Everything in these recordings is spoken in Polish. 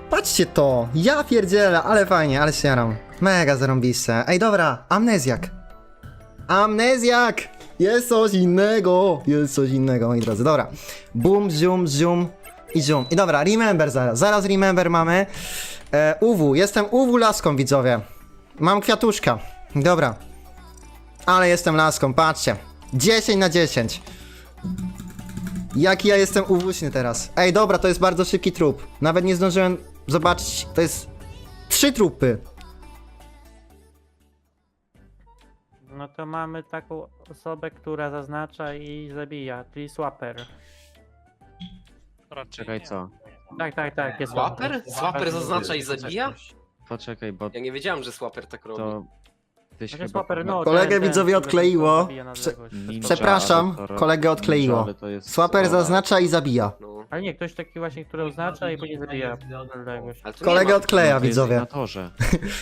Patrzcie to! Ja pierdzielę, ale fajnie, ale się jaram. Mega zarąbiste. Ej, dobra, amnezjak. Amnezjak! Jest coś innego! Jest coś innego, moi drodzy. Dobra. Boom, zoom, zoom i zoom. I dobra, remember zaraz. Zaraz remember mamy. UW. Jestem UW laską, widzowie. Mam kwiatuszka. Dobra. Ale jestem laską, patrzcie. 10 na 10. Jaki ja jestem uwuśny teraz. Ej, dobra, to jest bardzo szybki trup. Nawet nie zdążyłem zobaczyć. To jest 3 trupy. No to mamy taką osobę, która zaznacza i zabija, czyli swapper. Czekaj, co? Tak, jest Swapper? Swapper zaznacza i zabija? Poczekaj, bo Ja nie wiedziałem, że Swapper tak robi. to... Tyś Znaczy chyba... swapper, no, Kolegę widzowie odkleiło. zabija na Prze- odległość. Ninja, Przepraszam, ale to- kolegę odkleiło. Ninja, ale to jest- Swapper o, zaznacza i zabija. No. Ale nie, ktoś taki właśnie, który oznacza i później zabija na odległość. Ale to Kolegę nie ma... odkleja, to jest widzowie. na torze.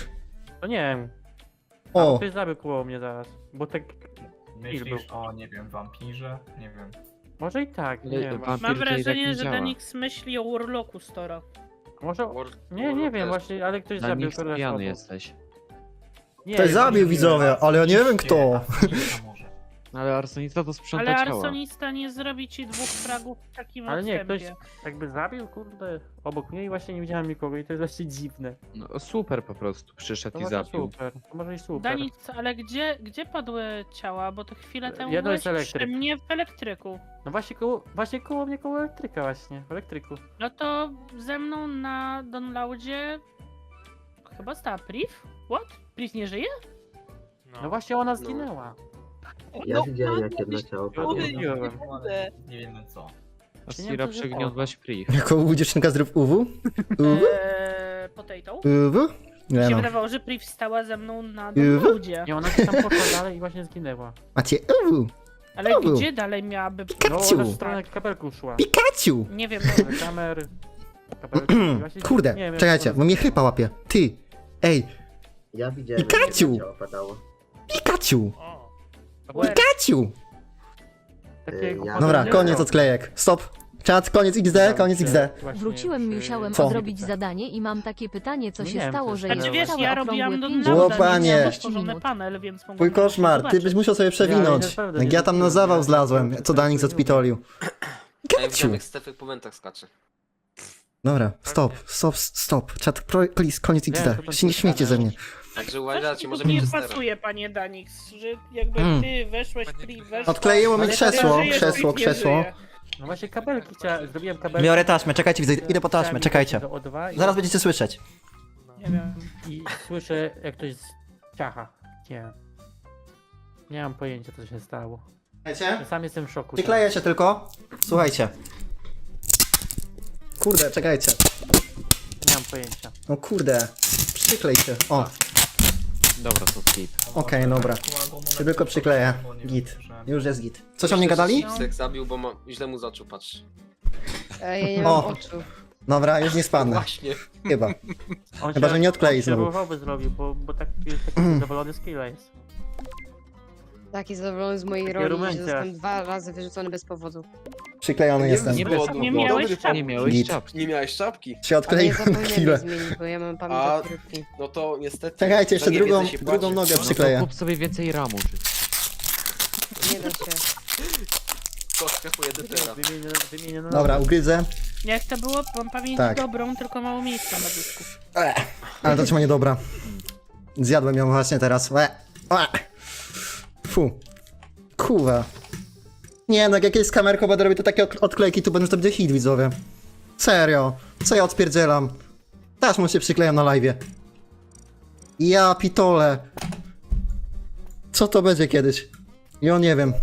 To nie wiem. O, Ktoś zabił koło mnie zaraz, bo tak... Myślisz o, nie wiem, wampirze? Nie wiem. Może i tak, nie wiem. Wampir Mam tutaj tak wrażenie, nie że działa. Danix myśli o Warlocku Stora. Może... War- Nie Warlock wiem też. właśnie, ale ktoś Na zabił nich kogoś pijany obok. jesteś. Nie, ktoś nie, zabił nie, widzowie, ale ja nie wiem kto. Arsonista może. Ale arsonista to sprząta Ale ciała. arsonista nie zrobi ci 2 fragów w takim Ale nie, odstępie. ktoś jakby zabił, kurde, obok mnie i właśnie nie widziałem nikogo i to jest właśnie dziwne. No super po prostu, przyszedł To i może zabił. super, to może i super. Danix, ale gdzie padły ciała? Bo to chwilę temu Jedno byłeś jest przy elektryk. mnie w elektryku. No właśnie koło mnie, koło elektryka właśnie, w elektryku. No to ze mną na Donlaudzie chyba stała Priv? What? Priv nie żyje? No właśnie ona zginęła. Ja widziałem jak jedno ciało Ja padło. odmówiłem. Nie wiemy co. Asira to przygniotłaś priv. Jako UW dziewczynka zrób UW? UW? Potato? UW? Nie Mi się no. wydawało, że Priv stała ze mną na Donlaudzie. Nie, ona się tam poszła dalej i właśnie zginęła. Macie UW? Ale to był. gdzie dalej miałaby... No Pikachu! ona w stronę kabelku szła. Pikachu! Nie wiem, Do kamer. Kabelku. i właśnie Kurde, nie wiem, czekajcie, bo mnie chyba łapie. Ty! Ej, Ja widziałem jak Pikachu! jedno ciało padało. Pikachu! Where? Pikachu! Takiego Ja- Dobra, podejrzenia. koniec odklejek. Stop. Czat, koniec XD, koniec XD. Właśnie Wróciłem, przy- musiałem Co? odrobić zadanie i mam takie pytanie, co Nie się wiem, stało, co że się jest Znaczy wiesz, całe ja okrągłe robiłam 5 Donlauda, Łopanie. nie miałam minut. stworzony panel, więc mogłam Twój koszmar, ty zobaczyć. byś musiał sobie przewinąć. Ja naprawdę Jak nie ja tam na wiem, zawał ja- zlazłem, co Danik odpitolił. Ja Pikachu! widziałem jak Stefek po mentach skacze. Dobra, stop. Czat, please, koniec Wiem, XD. co tam Się nie śmiejcie ze mnie. Także Coś uważajcie, mi może tu mieć nie Jestera. pasuje, panie Danix, że jakby Mm. ty weszłeś, Priv weszła... Odkleiło mi Ale krzesło, ja krzesło. No właśnie kabelki zrobiłem kabelki. Biorę taśmę, czekajcie, widzę, idę po taśmę, Chciałem czekajcie. do O2 i- Zaraz będziecie słyszeć. Nie wiem. I słyszę jak ktoś ciacha. Nie mam pojęcia co się stało. Wiecie? Ja sam jestem w szoku. Przykleję się tylko. Słuchajcie. Kurde, czekajcie. Nie mam pojęcia. No kurde. Przyklej się. O, Dobra, to skip. okej, dobra. Się tylko przykleję. Git. Już jest git. Coś o mnie gadali? Stefek zabił, bo źle mu zaczął, patrz. Ja nie O. mam oczu. Dobra, już nie spadnę. Właśnie. Chyba. On Chyba, że nie odklei on się znowu. ruchowy zrobił, bo taki zadowolony z killa jest. Taki zadowolony z mojej Takie roli, że rumencie. zostałem 2 razy wyrzucony bez powodu. Przyklejony jestem. Nie było bez długo. Nie powodu. miałeś Nie czapki. miałeś Git. czapki. Nie miałeś czapki? Się Ale ja odkleiłem na zapomniałem chwilę. je zmienić, bo ja mam pamięć A- jak rybki. No to niestety... Czekajcie, jeszcze za niewiedzę drugą, się drugą płaci. nogę No to przykleję. kup sobie więcej ramu, czy... Nie da się. Kostkę po edytera. Wymienię na Dobra, ugryzę. Jak to było, mam pamięć Tak. dobrą, tylko mało miejsca na dysku. Ale to trzeba niedobra. Zjadłem ją właśnie teraz. Fu. Kuwa. Nie no, jak jakieś z kamerką będę robił to takie odklejki, to będzie hit, widzowie. Serio. Co ja odpierdzielam? Taśmą się przyklejam na live'ie. Ja pitole. Co to będzie kiedyś? Ja nie wiem.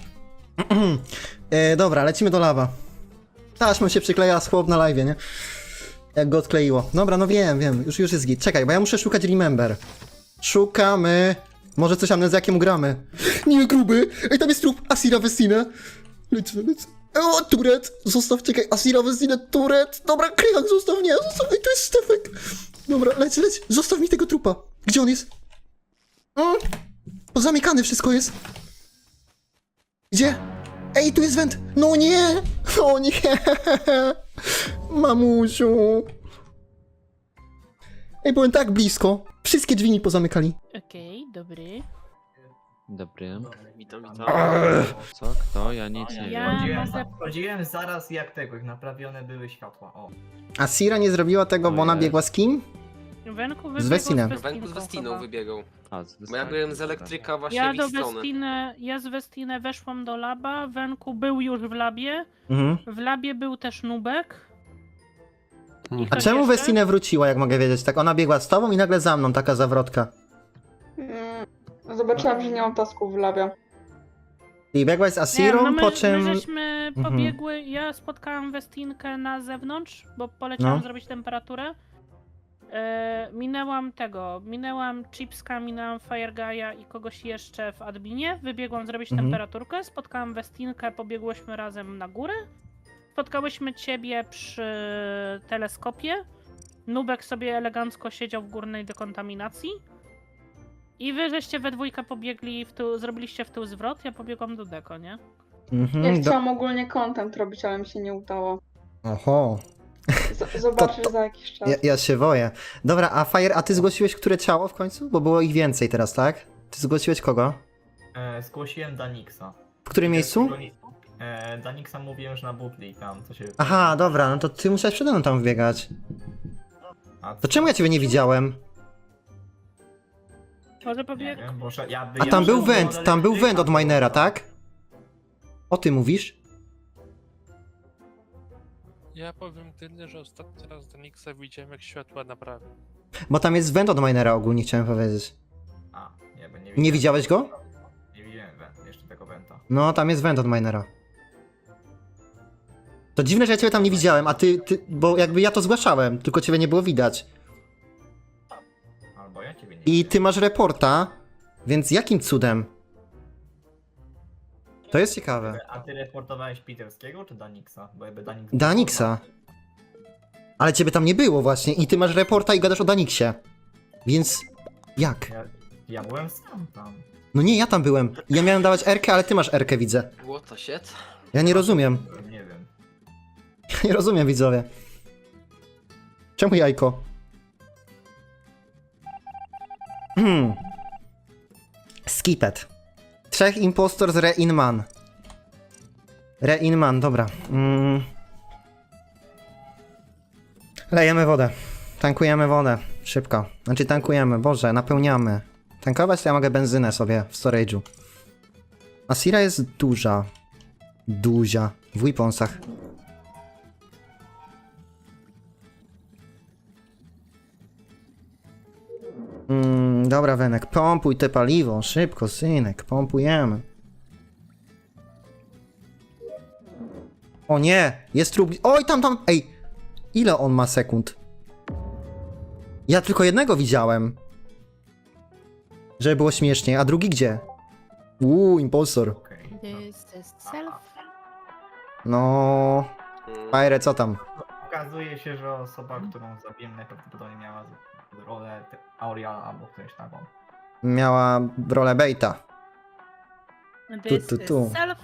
Dobra, lecimy do lawa. Taśmą się przykleja z chłop na live'ie, nie? Jak go odkleiło. Dobra, no wiem, już jest git. Czekaj, bo ja muszę szukać remember. Szukamy. Może coś amnezjakiem ugramy. Nie, gruby! Ej, tam jest trup Asira Vecina. Lecę. O, Turet! Zostaw, czekaj, Asira Vecina, Turet! Dobra, Krychak, zostaw, nie, zostaw, ej, to jest Stefek! Dobra, leć, zostaw mi tego trupa. Gdzie on jest? Pozamykane wszystko jest. Gdzie? Ej, tu jest węd! No nie! O nie! Mamusiu! Ej, byłem tak blisko. Wszystkie drzwi mi pozamykali. Okej, dobry. Dobry. Witam, witam. Co? Kto? Ja nic nie Ja- wiem. Chodziłem, może- chodziłem zaraz jak tego, jak naprawione były światła. O. A Sira nie zrobiła tego, bo ona Ojej. biegła z kim? Wenku Z wybiegł Westinem. Wenku z Westiną chyba. wybiegał. A, Bo ja byłem z elektryka właśnie Ja w do ich stronę. Westinę, ja z Westinę weszłam do laba, Wenku był już w labie, Mhm. w labie był też Nubek. I A ktoś czemu jeszcze? Westinę wróciła, jak mogę wiedzieć? Tak, ona biegła z tobą i nagle za mną, taka zawrotka. Zobaczyłam, że nie mam tasków w labie. I biegłaś z Asirą, Nie, no po czym... my żeśmy Mhm. pobiegły, ja spotkałam Westinkę na zewnątrz, bo poleciałam No. zrobić temperaturę. Minęłam Chipska, minęłam Fireguy'a i kogoś jeszcze w adminie, wybiegłam zrobić Mhm. temperaturkę, spotkałam Westinkę, pobiegłyśmy razem na górę. Spotkałyśmy ciebie przy teleskopie. Nubek sobie elegancko siedział w górnej dekontaminacji. I wy żeście we dwójkę pobiegli zrobiliście w tył zwrot, ja pobiegłam do deko, nie? Mhm, Ja chciałam ogólnie content robić, ale mi się nie udało. Oho, Zobaczysz za jakiś czas. ja się boję. Dobra, a Fire, a ty zgłosiłeś które ciało w końcu? Bo było ich więcej teraz, tak? Ty zgłosiłeś kogo? Zgłosiłem Danixa. W którym miejscu? Danixa mówiłem, że na butli tam co się... Aha, dobra, no to ty musiałeś przede mną tam wbiegać. A To czemu ja ciebie nie widziałem? Może Nie pobieg... wiem, bo A tam był węd, tam był węd od minera, tak? O ty mówisz? Ja powiem tyle, że ostatni raz Danixa widziałem jak światła naprawił. Bo tam jest węd od minera ogólnie, chciałem powiedzieć. A, nie, bo Nie widziałeś go? Nie widziałem jeszcze tego węta. No, tam jest węd od minera. To dziwne, że ja ciebie tam nie widziałem, a ty, bo jakby ja to zgłaszałem, tylko ciebie nie było widać. Albo ja ciebie nie I widziałem. ty masz reporta, więc jakim cudem? To jest ciekawe. A ty reportowałeś Peterskiego czy Danixa? Bo jakby Danix... Danixa. Ale ciebie tam nie było właśnie i ty masz reporta i gadasz o Danixie. Więc jak? Ja byłem sam tam. No nie, ja tam byłem. Ja miałem dawać R-kę, ale ty masz R-kę, widzę. What the shit? Ja nie rozumiem. Nie wiem. Ja nie rozumiem, widzowie. Czemu jajko? Skipet. 3 impostor z Re-in-Man. Re-in-Man, dobra. Lejemy wodę. Tankujemy wodę. Szybko. Znaczy tankujemy, Boże, napełniamy. Tankować to ja mogę benzynę sobie w storage'u. Asira jest duża. Duzia. W weaponsach. Dobra, Wenek, pompuj te paliwo. Szybko, synek, pompujemy. O nie, jest trup... Oj, tam, ej! Ile on ma sekund? Ja tylko jednego widziałem. Żeby było śmiesznie, a drugi gdzie? Impostor. Okej. This is self. No... Fire, co tam? Okazuje się, że osoba, którą zabiłem najprawdopodobniej miała rolę Aureala albo ktoś taką. Miała rolę Baita. This tu. is self.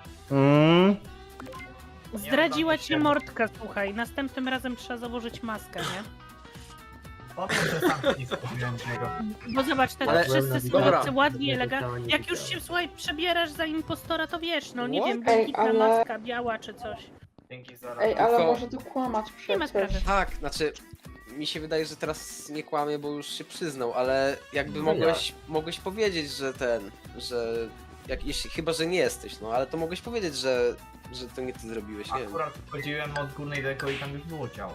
Zdradziła cię Mordka, słuchaj. Następnym razem trzeba założyć maskę, nie? Potem, że sam nie skupiłem niego. Bo zobacz, te Ale- wszyscy są dobra. tacy ładni, Ja elegancki. ciała nie Jak już widziałem. się, słuchaj, przebierasz za impostora, to wiesz, no nie What? wiem, Ej, błękitna ale- maska biała czy coś. Dzięki za Ej, ale To- może tu kłamać Nie ma przecież. sprawy. Tak, znaczy mi się wydaje, że teraz nie kłamie, bo już się przyznał, ale jakby No mogłeś powiedzieć, że chyba, że nie jesteś, no ale to mogłeś powiedzieć, że to nie ty zrobiłeś, nie wiem. Akurat wchodziłem od górnej deko i tam już było ciało.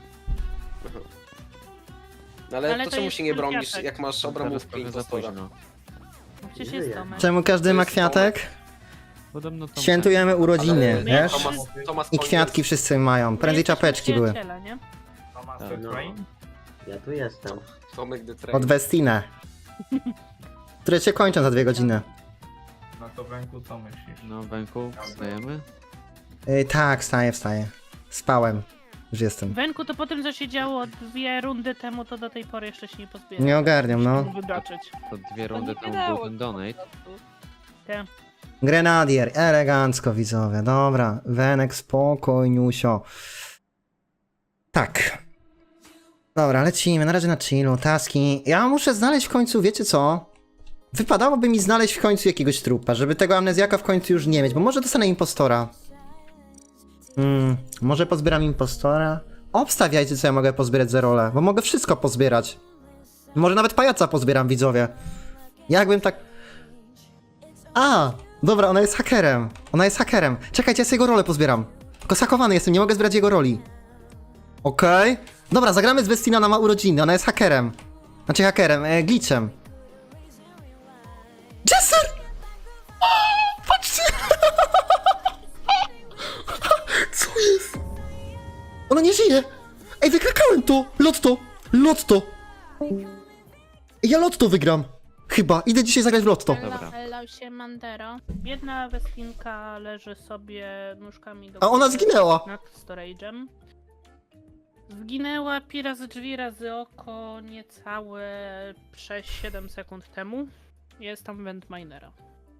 No, ale Ale to to czemu jest się nie bronisz, kwiatek. jak masz Teraz obramówkę trochę za impostora? późno. Przecież Nie jest wiem. Tomek. Czemu każdy To ma jest kwiatek? Podobno to Świętujemy urodziny, Ale- wiesz? Tomas I kwiatki wszyscy mają. Prędzej Jesteśmy czapeczki były. przyjaciele, nie? Thomas Tak. the No. Train? Ja tu jestem. Tomek the Train. Od Westinę. Które się kończą za 2 godziny. No to Węku, co myślisz? No, Węku, wstajemy? Tak, wstaję. Spałem. Już jestem. Wenku, to po tym, co się działo 2 rundy temu, to do tej pory jeszcze się nie pozbierał. Nie ogarniam, no. Wybaczyć. To 2 rundy temu był ten donate. Te. Grenadier, elegancko widzowie. Dobra, Wenek, spokojniusio. Tak. Dobra, lecimy, na razie na chillu, taski. Ja muszę znaleźć w końcu, wiecie co? Wypadałoby mi znaleźć w końcu jakiegoś trupa, żeby tego amnezjaka w końcu już nie mieć, bo może dostanę impostora. Może pozbieram impostora? Obstawiajcie, co ja mogę pozbierać za rolę, bo mogę wszystko pozbierać. Może nawet pajaca pozbieram, widzowie. Jakbym tak... A! Dobra, ona jest hakerem. Ona jest hakerem. Czekajcie, ja sobie jego rolę pozbieram. Tylko zhakowany jestem, nie mogę zbierać jego roli. Okej. Dobra, zagramy z Westina, ona ma urodziny, ona jest hakerem. Znaczy hakerem, glitchem. Jesser! O, patrzcie! Co jest? Ona nie żyje! Ej, wykrakałem to! Lotto! Lotto! Ja lotto wygram! Chyba, idę dzisiaj zagrać w lotto. Dobra. Ella się Mandero. Biedna Westinka leży sobie nóżkami do A ona góry zginęła! nad storage'em. Zginęła razy drzwi, razy oko niecałe 6-7 sekund temu. Jest tam Ventminera.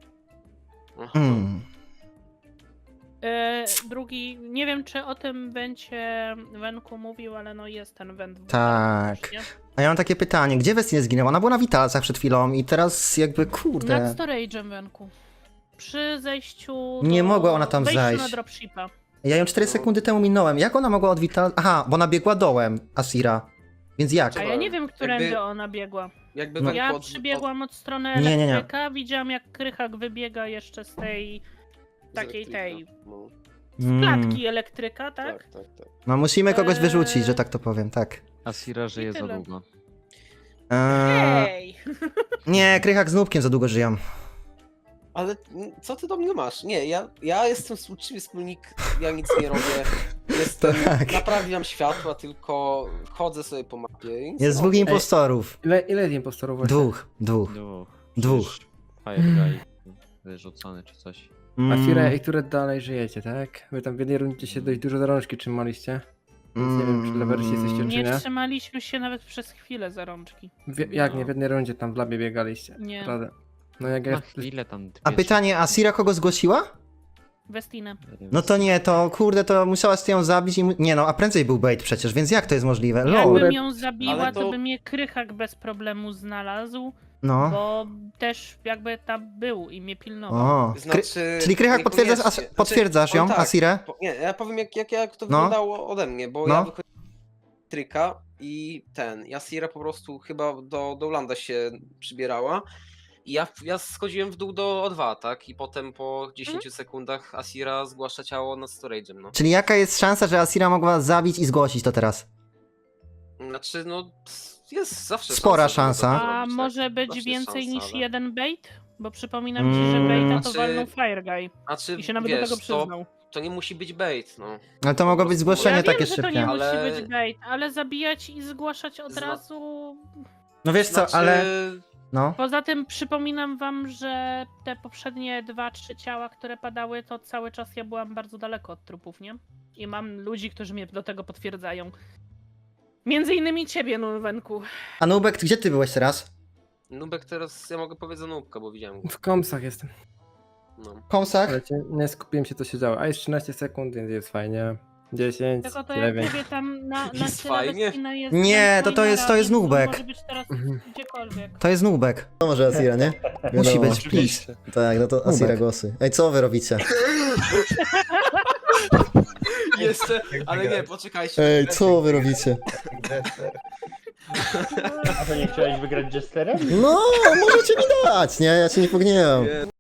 Drugi, nie wiem czy o tym będzie Wenku mówił, ale no jest ten Went w Tak. też, nie? A ja mam takie pytanie, gdzie Westin zginęła? Ona była na Witalsach przed chwilą i teraz jakby, kurde... Nad storage'em Wenku. Przy zejściu Nie mogła ona tam wejściu zajść. na dropshipa. Ja ją 4 sekundy temu minąłem. Jak ona mogła od Vital... Aha, bo ona biegła dołem, Asira. Więc jak? A ja nie wiem, którędy Jakby- ona biegła. Jakby No. Wenku Ja od- przybiegłam od strony Nie, nie, nie. elektryka, widziałam jak Krychak wybiega jeszcze z tej z takiej elektryka. No, klatki elektryka, tak? tak. No musimy kogoś wyrzucić, że tak to powiem, tak. Asira żyje za tyle. długo. Hej! Nie, Krychak z Nubkiem za długo żyją. Ale co ty do mnie masz? Nie, ja jestem uczciwy wspólnik, ja nic nie robię. Jestem, Tak. naprawiam światła, tylko chodzę sobie po mapie. i nic Jest nie dwóch robię. impostorów. Ile jest impostorów właśnie? Dwóch. Dwóch. Fire guy wyrzucony czy coś. Asira i które dalej żyjecie, tak? Wy tam w jednej rundzie się dość dużo za rączki trzymaliście. Więc nie wiem, czy dla wersji jesteście, czy Nie nie. trzymaliśmy się nawet przez chwilę za rączki. Jak nie, w jednej rundzie tam w labie biegaliście. Nie. Naprawdę. No jak ja... Na chwilę tam... A pytanie, Asira kogo zgłosiła? Westinę. No to nie, to kurde, to musiałaś ją zabić i... Nie no, a prędzej był bait przecież, więc jak to jest możliwe? Lol. Jakbym ją zabiła, Ale to to- by mnie Krychak bez problemu znalazł, No. bo też jakby tam był i mnie pilnował. O. Znaczy, Czyli Krychak potwierdzasz, niekoniecznie. potwierdzasz ją, powiem tak, Asirę? Nie, ja powiem jak to No. wyglądało ode mnie, bo No. ja wychodziłem z tryka i Asira po prostu chyba do landa się przybierała. I ja schodziłem w dół do O2, tak? I potem po 10 sekundach Asira zgłasza ciało nad storage'em, no. Czyli jaka jest szansa, że Asira mogła zabić i zgłosić to teraz? Znaczy, no, jest zawsze Spora żeby szansa. to A zrobić, może tak? być Zawsze jest więcej szansa, niż ale- jeden bait? Bo przypominam ci, że baita to Znaczy- walnął Fire Guy. Znaczy, I się nawet wiesz, do tego przyznał. to nie musi być bait, no. Ale to mogło być zgłoszenie Ja takie wiem, że to szybkie. nie Ale- musi być bait, ale zabijać i zgłaszać od Zna- razu... No wiesz co, Znaczy, ale... No. Poza tym przypominam wam, że te poprzednie 2-3 ciała, które padały, to cały czas ja byłam bardzo daleko od trupów, nie? I mam ludzi, którzy mnie do tego potwierdzają. Między innymi ciebie, Nulwenku. A Nubek, gdzie ty byłeś teraz? Nubek teraz, ja mogę powiedzieć za Nubka, bo widziałem go. W komsach jestem. No. W kąsach? Ale nie skupiłem się, co się działo. A jest 13 sekund, więc jest fajnie. 10, Tylko to jak 9. mówię tam na Jest tyle fajnie. Westina jest... Nie, to jest Ventminera, Nubek. Może być teraz gdziekolwiek. To jest Nubek. To może Asira, nie? Musi być, please. Oczywiście. Tak, no to Asira głosy. Ej, co wy robicie? Jeszcze, ale nie, poczekajcie. Ej, co wy robicie? A to nie chciałeś wygrać Jesterem? No, możecie mi dać, nie? Ja się nie pogniewam. Nie,